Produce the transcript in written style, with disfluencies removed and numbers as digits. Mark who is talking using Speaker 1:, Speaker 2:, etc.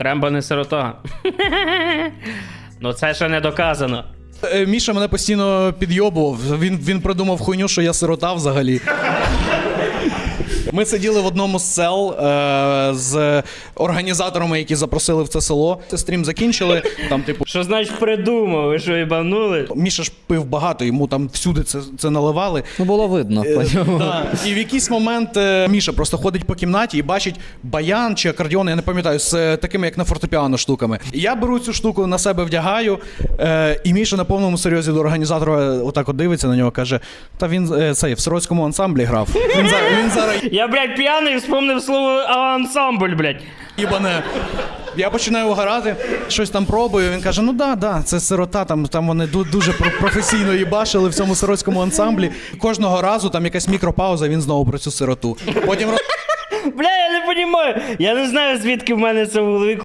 Speaker 1: Рембо не сирота. Ну це ще не доказано.
Speaker 2: Міша мене постійно підйобував. Він придумав хуйню, що я сирота взагалі. Ми сиділи в одному з сел з організаторами, які запросили в це село. Це стрім закінчили. Там, типу,
Speaker 1: Що значить придумав? Ви що, їбанули?
Speaker 2: Міша ж пив багато, йому там всюди це наливали.
Speaker 3: Ну, було видно по ньому.
Speaker 2: Да. І в якийсь момент Міша просто ходить по кімнаті і бачить баян чи акордіон, я не пам'ятаю, з такими, як на фортепіано, штуками. І я беру цю штуку, на себе вдягаю, і Міша на повному серйозі до організатора отак от дивиться на нього, каже, та він цей в сиротському ансамблі грав. Він зараз
Speaker 1: Я, блядь, п'яний вспомнив слово ансамбль, блядь.
Speaker 2: їбане. Я починаю угорати, щось там пробую, він каже, ну да, це сирота, там вони дуже професійно їбашили в цьому сиротському ансамблі. Кожного разу там якась мікропауза, він знову про цю сироту. Потім
Speaker 1: Бля, я не розумію. Я не знаю, звідки в мене це в голові